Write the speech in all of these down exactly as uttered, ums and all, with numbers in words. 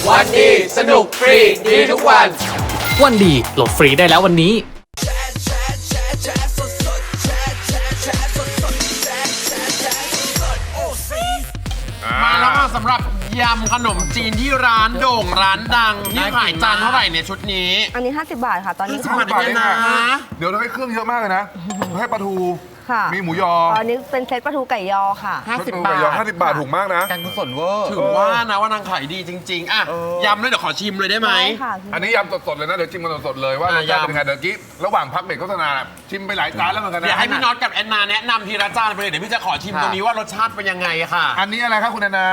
วันดีสนุกฟรีดีทุกวันวันดีโหลดฟรีได้แล้ววันนี้มาแล้วค่ะสำหรับยำขนมจีนที่ร้านโด่งร้านดังนี่ขายจานเท่าไหร่เนี่ยชุดนี้อันนี้ห้าสิบบาทค่ะ ตอนนี้ห้าสิบบาทเองนะเดี๋ยวเราให้เครื่องเยอะมากเลยนะให้ปลาทูค่ะมีหมูยอตอนนี้เป็นเซตปลาทูไก่ยอค่ะห้าสิบปลบาทูทไก่ยอห้าสิบบาทถูกมากนะการกุศลเวอร์ถือว่านะว่านางขายดีจริงๆอ่ะยำเลยเดี๋ยวขอชิมเลยได้ไหมได้ค่ะอันนี้ยำสดๆเลยนะเดี๋ยวชิมกันสดๆเลยว่ารสชาติเป็นยังไงเดี๋ยวกี้ระหว่างพักเบรกโฆษณาชิมไปหลายจานแล้วเหมือนกันนะเดี๋ยวให้พี่น็อตกับแอนนาแนะนำทีละจานไปเลยเดี๋ยวพี่จะขอชิมตรงนี้ว่ารสชาติเป็นยังไงค่ะอันนี้อะไรครับคุณแอนนาย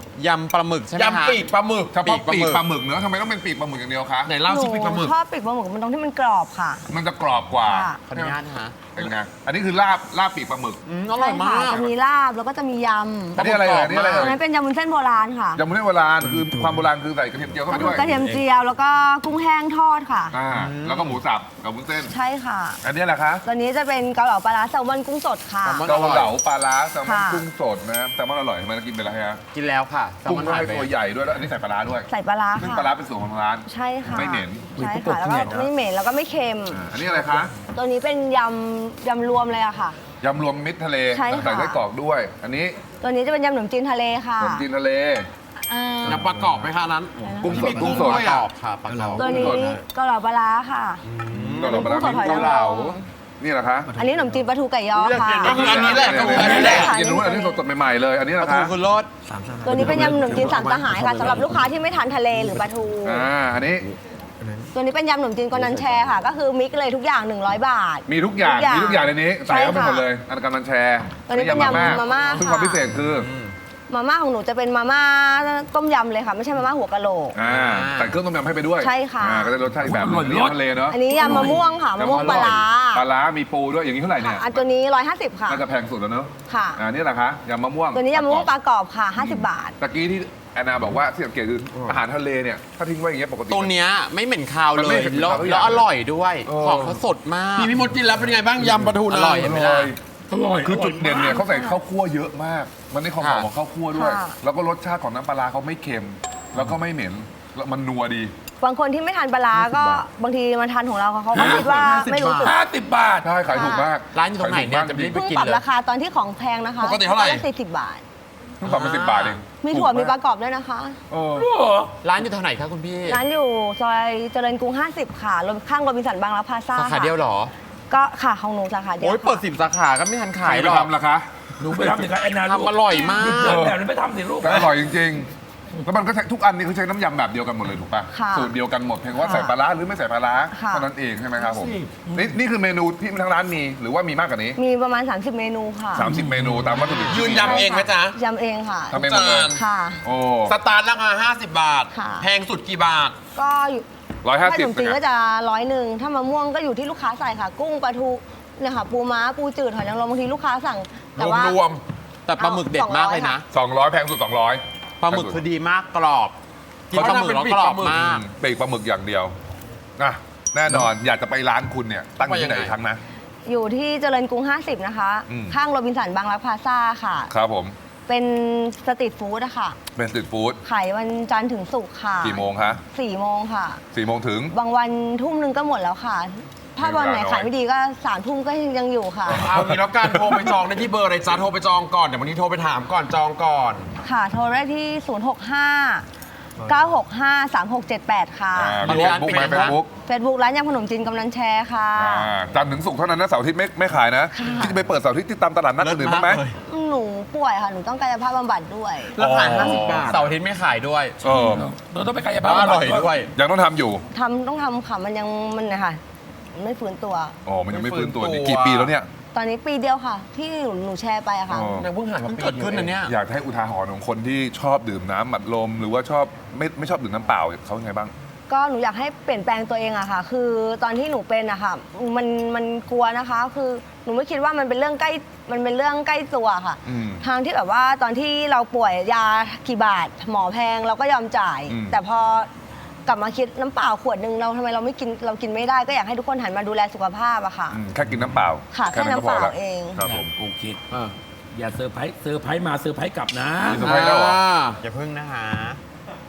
ำปลาหมึกใช่ไหมคะยำปีกปลาหมึกเฉพาะปีกปลาหมึกเนอะทำไมต้องเป็นปีกปลาหมึกอย่างเดียวคะไหนเล่าสิปีกปลาหมึกชอบปีกปลาหมึกมันตรงที่มันกรอบค่ะมันจะกรอบกว่าค่ะขออนุญาตนะคะเป็นไงอันนี้คือลาบลาบปีกปลาหมึกอืมอร่อยมาใช่ค่ะกจะมีลาบแล้วก็จะมียอันนี้อะไรเอ่ยอันนี้อะไรำเอ่อันยนั้นเป็นยำวุ้นเส้นโบราณค่ะยำมุ้นโบราณคือความโบราณคือใส่กระเทียมเจียวเข้าก็ไปคืด้อวยกระเทียมเจียวแล้วก็กุ้งแห้งทอดค่ะอ่าแล้วก็หมูสับกับวุ้นเส้นใช่ค่ะอันนี้แหละคะตอนนี้จะเป็นเกาเหลาปลาร้าแซลมอนกุ้งสดค่ะเกาเหลาปลาร้าแซลมอนค่ะกุ้งสดนะแซลมอนอร่อยทำไมเรากินไปแล้วฮะกินแล้วค่ะแซลกุ้มงอนก็หายให้ไปตัวใหญ่ด้วยแล้วอันนี้ใส่ปลาร้าด้วยใส่ปลาร้าซึ่งค่ะปลาร้าเป็นสูตรของร้านใช่ค่ะไม่เหม็นใช่ค่ะแล้วก็ไม่เหม็นแล้วก็ไม่เค็มอ่าอันนี้อะไรคะตัวนี้เป็นยำยำรวมเลยอะค่ะยำรวมมิตรทะเลใช่ค่ะใส่ไส้กรอกด้วย อันนี้ตัวนี้จะเป็นยำขนมจีนทะเลค่ะขนมจีนทะเลอ่าน้ำประกอบไหมคะนั้นกุ้งสดมีกุ้กุ้งงสดด้วยกรอ่ะอบค่ะปลากรอบตัวนี้เกาเหลาปลาร้าค่ะเกาเหลาปลาร้ากุ้งสดหอยมีนางเการ เหลามมนี่แหละคะอันนี้ขนมจีนปลาทูไก่ยอค่ะก็คืออันนี้แหละก็คืออันนี้แหละกินรู้อันนี้สดๆใหม่ๆเลย อันนี้ปนะลาทูคะคือรสตัวนี้เป็นยำขนมจีนสามสหายค่ะสำหรับลูกค้าที่ไม่ทานทะเลหรือปลาทูอ่าอันนี้ตัวนี้เป็นยำขนมจีนกอนันแชร์ค่ะ ก็คือมิกซ์เลยทุกอย่างหนึ่งร้อยบาทมีทุกอย่างทุกอย่างมีทุกอย่างในนี้ใส่เข้าไปใช่ค่ะหมดเลย อันกำลังแชร์ตัวนี้เป็นยำมาม่าซึ่งค่ะความพิเศษคือมาม่าของหนูจะเป็นมาม่าต้มยำเลยค่ะ ไม่ใช่มาม่าหัวกะโหลกอ่าใส่เครื่องต้มยำให้ไปด้วยใช่ค่ะอ่าก็ได้รสชาติอีกแบบหนึงทะเลเนาะอันนี้ยำมะม่วงค่ะมะม่วงปลาร้าปลาร้ามีปูด้วยอย่างนี้เท่าไหร่เนี่ยอันตัวนี้ร้อยห้าสิบค่ะน่าจะแพงสุดแล้วเนอะค่ะอ่านี่แหละคะยำมะม่วงตัวนี้ยำมะม่วงปลากรอบค่ะห้าสิบบาทตะกี้ที่แอนนาบอกว่าที่สังเกตคืออาหารทะเลเนี่ยถ้าทิ้งไว้อย่างเงี้ยปกติตัวเนี้ยไม่เหม็นคาวมันเลไม่ยเหม็นแล้วคาวทุกอแล้ย่างวอร่อยด้วยเออของเขาสดมากพี่พี่มดกินแล้วเป็นยังไงบ้างยำปลาทูอนะร่อย เห็นไหมล่ะอร่อยคือจุดเด่นเนี่ยเขาใส่ข้าวคั่วเยอะมาก มันได้ความหอมค่ะของข้าวคั่วด้วยค่ะแล้วก็รสชาติของน้ำปลาร้าเขาไม่เค็ม แล้วก็ไม่เหม็นแล้วมันนัวดีบางคนที่ไม่ทานปลาร้าก็บางทีมาทานของเราเขาก็คิดว่าไม่รู้สึกห้าสิบบาทใช่ขายถูกมากร้านอยู่ตรงไหนเนี่ยขายถูกมากจะไม่เพิ่งไปกินปรับเลยราคาตอนที่ของแพงนะคะปกติเท่าไหร่สี่สิบบาทเพิ่งปรับมาสิบบาทเองมีถั่วถูมีกปมากลากรอบด้วยนะคะเออร้านอยู่แถวไหนคะคุณพี่ร้านอยู่ซอยเจริญกรุง ห้าสิบ ค่ะข้างโรบินสันบางรักพลาซ่าสาขาเดียวเหรอก็ค่ะของหนูสาขาเดียวโอ้ยค่ะเปิดสิบสาขาก็ไม่ทันใครขายไปหรอกทำล่ะคะหนูไปทำสิครับแอนนาทำอร่อยมากเกิดแบบนี้ไปทำสิลูกแต่อร่อยจริงๆ แล้วมันก็ใช้ทุกอันนี่คือใช้น้ำยำแบบเดียวกันหมดเลยถูกป่ะค่ะสูตรเดียวกันหมดเพียงว่าค่ะใส่ปลาร้าหรือไม่ใส่ปลาร้าค่ะเท่านั้นเองใช่ไหมครับผมนี่นี่คือเมนูที่ทางร้านมีหรือว่ามีมากกว่านี้มีประมาณ สามสิบ เมนูค่ะสามสิบเมนูตามวัตถุดิบที่ยืนมียำเองไหมจ๊ะยำเองค่ะทำเองหมดเลยจานค่ะโอ้สตาร์ทราคาห้าสิบบาทค่ะแพงสุดกี่บาทก็อยู่ร้อยห้าถ้าสิขบนมจีนก็จะร้อยหนึ่งถ้ามะม่วงก็อยู่ที่ลูกค้าใส่ค่ะ กุ้งปลาทูเนี่ยค่ะปูม้าปูจืดหอยนางรมบางทีลูกค้าสั่ง แต่ว่ารวมแต่ปลาหมึกเด็ดมากเลยนะสองร้อยแพงสุดสองร้อยปลาหมึกคือดีมากกรอบกินปลาหมึกแล้วกรอบมากปีกปลาหมึกอย่างเดียวนะแน่นอนอยากจะไปร้านคุณเนี่ยตั้งอยู่ที่ไหนอีกครั้งนะอยู่ที่เจริญกรุง ห้าสิบ นะคะอืมข้างโรบินสันบางรักพลาซ่าค่ะครับผมเป็นสตรีทฟู้ดอะค่ะเป็นสตรีทฟู้ดขายวันจันทร์ถึงศุกร์ค่ะกี่โมงคะสี่โมงค่ะสี่โมงถึงบางวันทุ่มหนึงก็หมดแล้วค่ะ ถ้าวันไหนเวลาน้อยขายไม่ดีก็สามทุ่มก็ยังอยู่ค่ะเอางี้แล้วกันโทรไปจองได้ที่เบอร์อะไรจ๊ะโทรไปจองก่อนเดี๋ยววันนี้โทรไปถามก่อนจองก่อนค่ะ โทรได้ที่ ศูนย์ หก ห้า เก้า หก ห้า สาม หก เจ็ด แปด ค่ะอ่าตอนมีนี้เฟซร้านบุ๊กปิดไหมไหมเฟซบุ๊กเฟซบุ๊กร้านยำขนมจีนกำนันแชร์ค่ะจันทร์ถึงศุกร์เท่านั้นนะเสาร์อาทิตย์ไม่ไม่ขายนะค่ะที่จะไปเปิดเสาร์อาทิตย์ที่ตามตลาดนัดอื่นๆบ้างไหมหนูป่วยค่ะ หนูต้องกายภาพบำบัดด้วยแล้วขายอ๋อห้าสิบบาทเสาร์อาทิตย์ไม่ขายด้วยเออเราต้องไปกายแล้ภาพวอร่อยด้วยยังต้องทำอยู่ทำต้องทำค่ะ มันยังมันนะคะไม่ฟื้นตัวอ๋อมันยังไม่ฟื้นตัวไม่ฟื้นี่นตัวกี่ปีแล้วเนี่ยตอนนี้ปีเดียวค่ะ ที่หนูหนูแชร์ไปอะค่ะอ๋อนางเพิ่งหายมาปีเกิดขึ้นนะเนี่ยอยากให้อุทาหรณ์ของคนที่ชอบดื่มน้ำอัดลม หรือว่าชอบไม่ไม่ชอบดื่มน้ำเปล่าเขายังไงบ้างก็หนูอยากให้เปลี่ยนแปลงตัวเองอะค่ะ คือตอนที่หนูเป็นอะค่ะ มันมันกลัวนะคะ คือหนูไม่คิดว่ามันเป็นเรื่องใกล้ มันเป็นเรื่องใกล้ตัวค่ะอืมทางที่แบบว่าตอนที่เราป่วยยากี่บาท หมอแพงเราก็ยอมจ่ายอืมแต่พอกลับมาคิดน้ำเปล่าขวดหนึ่งเราทำไมเราไม่กินเรากินไม่ได้ก็อยากให้ทุกคนหันมาดูแลสุขภาพอะค่ะอืมแค่กินน้ำเปล่าค่ะแค่น้ำเปล่าเองครับผมโอเคอย่าเซอร์ไพรส์เซอร์ไพรส์มาเซอร์ไพรส์กลับนะมีเซอร์ไพรส์แล้วเหรออย่าพึ่งนะคะ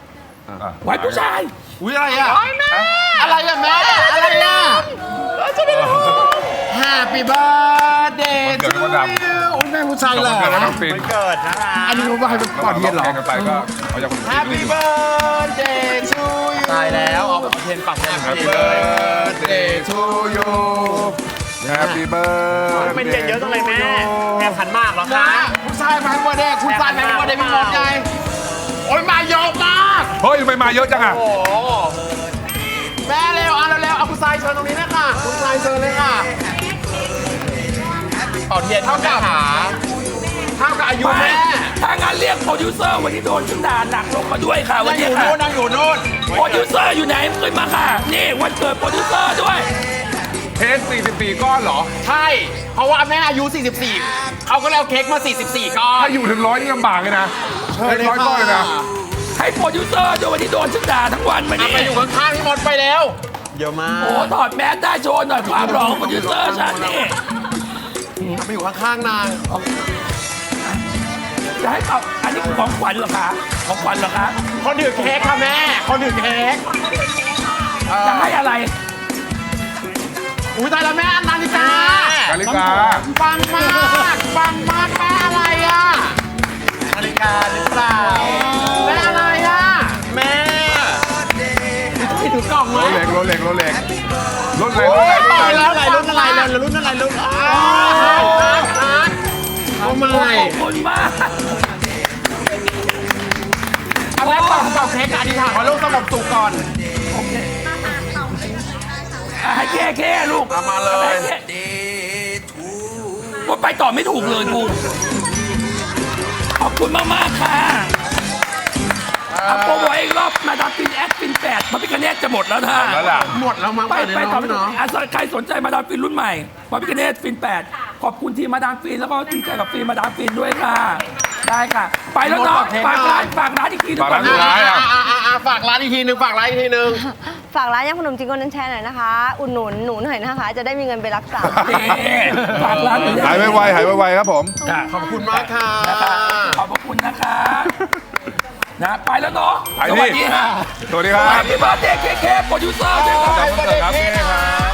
อ่ะไว้ผู้ชายอุ้ยอะไรอ่ะอะไรอ่ะแม่อะไรอ่ะ Happy birthday วันเกิ to ดมดดำ you โอ้ยแม่ผู้ชายเหรอเกิดแล้วน้องฟินเกิดนะคะอันนี้เขาบอกให้เป็นระหก่อว่าน งเทียนเหรอแข่งกันไปก็เอาจากคนอื่น Happy birthday to you ตายแล้วเอาเทียนปักเทียน Happy เลย birthday to you Happy birthday เป็นเทียนเยอะตรงไหนแม่แม่พันมากเหรอนะคะผู้ชายมาให้วันเด็กคุณซันมาให้วันเด็กพี่มดไงโอ้ยมาเยอะมากเฮ้ยทำไมมาเยอะจังอ่ะโอ้โหแม่เร็วเอาเร็วๆเอาคุณทรายเชิญตรงนี้เลยค่ะคุณทรายเชิญเลยค่ะเป่าเทียนเท่ากับขาเท่ากับอายุไปแม่ถ้างานเรียกโปรดิวเซอร์วันนี้โดนฉันด่าหนักลงมาด้วยค่ะ วันั่นงอนี้ยู่ค่ะนู่นนั่งอยู่นู่นโปรดิวเซอร์อยู่ไหนขึ้นมาค่ะ นี่วันเกิดโปรดิวเซอร์ด้วยเค้กสี่สิบสี่ก้อนเหรอใช่ เพราะว่าแม่อายุ สี่สิบสี่ เขาก็เลยเอาเค้กมา สี่สิบสี่ ก้อนถ้าอยู่ถึงร้อยนี่ลำบากเลยนะเค้กร้อยก้อนเลยนะให้โปรดิวเซอร์ด้วยวันนี้โดนฉันด่าทั้งวันวันเอานี้ไปอยู่ข้างๆพี่มดไปแล้วเยอะมากโอ้ถอดแมสได้โชว์หน่อยความหล่อของโปรดิวเซอร์ฉันนี่เอาไปอยู่ข้างๆนางจะให้เอาอันนี้คือของขวัญเหรอคะของขวัญเหรอคะคนถือเค้กค่ะแม่ คนถือเค้กจะให้อะไรอุ้ยตายแล้วแม่นาฬิกานาฬิกาปังมากปังมากแม่อะไรอ่ะนาฬิกาหรือเปล่าแม่อะไรอ่ะแม่พี่ถือกล่องไหมโรเล็กโรเล็กโรเล็กรถอะไรรถโอ้อะไรยรถตายอะไรแล้วอะไรรุ่นอะไรเลยรุ่นอะไรรุ่นอ้าฮาร์ดฮาร์ดฮาร์ดเอามาขอบคุณมากอันแรกก่อนเป่าเค้กกับอธิษฐานขอลูกสงบสุขก่อนอ่ะให้แค่แค่ลูกเอามาเลยให้แค่ว่าไปต่อไม่ถูกเลยกูขอบคุณมากมากๆค่ะเอาโปรโมทอีกรอบมาดามฟินแอดฟินแปดพระพิคเนตจะหมดแล้วนะแล้วล่ะหมดแล้วมั้งไปเดี๋ยวไปน้ต่ออง ไม่พี่ถูกน้องอ่ะใครสนใจมาดามฟินรุ่นใหม่พระพิคเนตฟินแปดขอบคุณทีมมาดามฟินแล้วก็ทีมใจกับฟินมาดามฟินด้วยค่ะ ได้ค่ะ ไปแล้วเนาะฝากร้านฝากร้านอีกทีหนึงฝากก่อร้าน นสุดท้ายอ่ะอ่ะอ่ะอ่ะฝากร้านอีกทีหนึ่งฝากร้านอีกทีหนึ่งฝากร้านยำขนมจีนโกลเด้นแชร์หน่อยนะคะ อุดหนุนหนูหน่อยนะคะ จะได้มีเงินไปรักษานี่ฝากร้านหายไวๆหายไวๆครับผมค่ะขอบคุณมากค่ะขอบพระคุณนะคะนะไปแล้วเนาะไปสดิวัสดีค่ะสวัสดีครับแฮปปี้เบิร์ดเดย์เคเคโปรดิวเซอร์ด้วยครับขอบคุณครับพี่ครับ